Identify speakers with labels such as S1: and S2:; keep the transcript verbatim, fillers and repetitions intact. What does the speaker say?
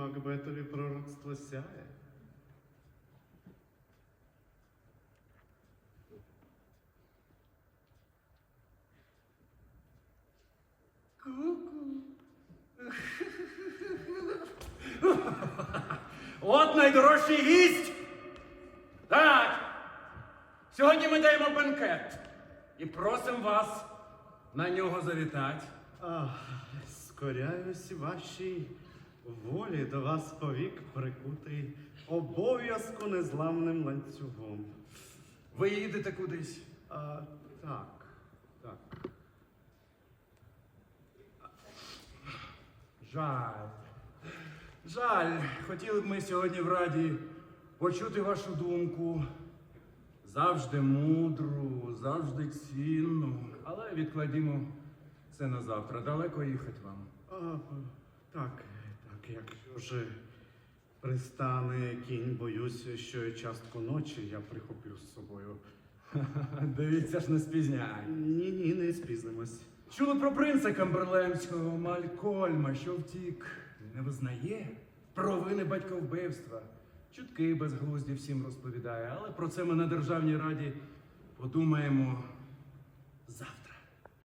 S1: Макбетові пророцтво сяє.
S2: Ку-ку. От найдорожчий гість. Так. Сьогодні ми даємо бенкет. І просимо вас на нього завітати.
S1: Ах, скоряюсь вашій волі до вас повік прикутий обов'язку незламним ланцюгом.
S2: Ви їдете кудись?
S1: А, так, так.
S2: Жаль. Жаль. Хотіли б ми сьогодні в Раді почути вашу думку. Завжди мудру, завжди цінну. Але відкладімо це на завтра. Далеко їхати вам.
S1: А, так, так, якщо ж пристане кінь, боюсь, що і частку ночі я прихоплю з собою.
S2: Дивіться ж, не спізняй.
S1: Ні, ні, не спізнимось.
S2: Чули про принца Камберлемського Малькольма, що втік, не визнає провини батьковбивства. Чутки безглузді всім розповідає, але про це ми на Державній Раді подумаємо